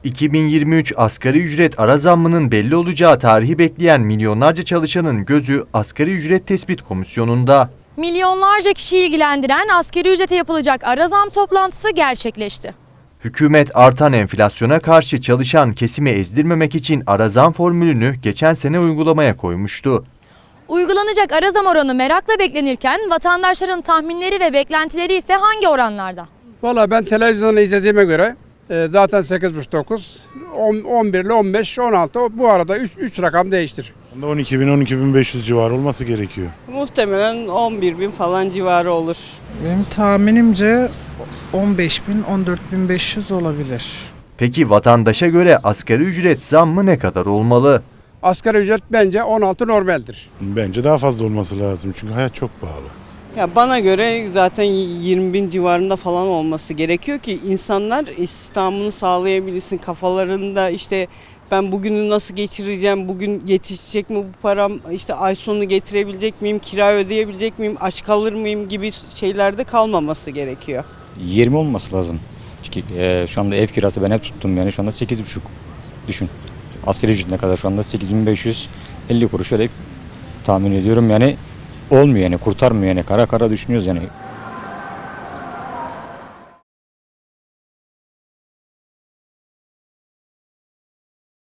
2023 asgari ücret ara zammının belli olacağı tarihi bekleyen milyonlarca çalışanın gözü asgari ücret tespit komisyonunda. Milyonlarca kişiyi ilgilendiren asgari ücrete yapılacak ara zam toplantısı gerçekleşti. Hükümet artan enflasyona karşı çalışan kesimi ezdirmemek için ara zam formülünü geçen sene uygulamaya koymuştu. Uygulanacak ara zam oranı merakla beklenirken vatandaşların tahminleri ve beklentileri ise hangi oranlarda? Valla ben televizyonda izlediğime göre zaten 8,5-9, 11 ile 15, 16 bu arada 3 rakam değiştir. 12.000-12.500 civarı olması gerekiyor. Muhtemelen 11.000 falan civarı olur. Benim tahminimce 15.000-14.500 olabilir. Peki vatandaşa göre asgari ücret zammı ne kadar olmalı? Asgari ücret bence 16 normaldir. Bence daha fazla olması lazım çünkü hayat çok pahalı. Ya bana göre zaten 20.000 civarında falan olması gerekiyor ki insanlar istihdamını sağlayabilsin. Kafalarında işte ben bugünü nasıl geçireceğim, bugün yetişecek mi bu param, işte ay sonu getirebilecek miyim, kira ödeyebilecek miyim, aç kalır mıyım gibi şeylerde kalmaması gerekiyor. 20 olması lazım. Çünkü şu anda ev kirası ben hep tuttum yani şu anda 8,5 düşün. Asgari ücret ne kadar şu anda 8.550 kuruş öyle tahmin ediyorum yani olmuyor yani kurtarmıyor yani kara kara düşünüyoruz yani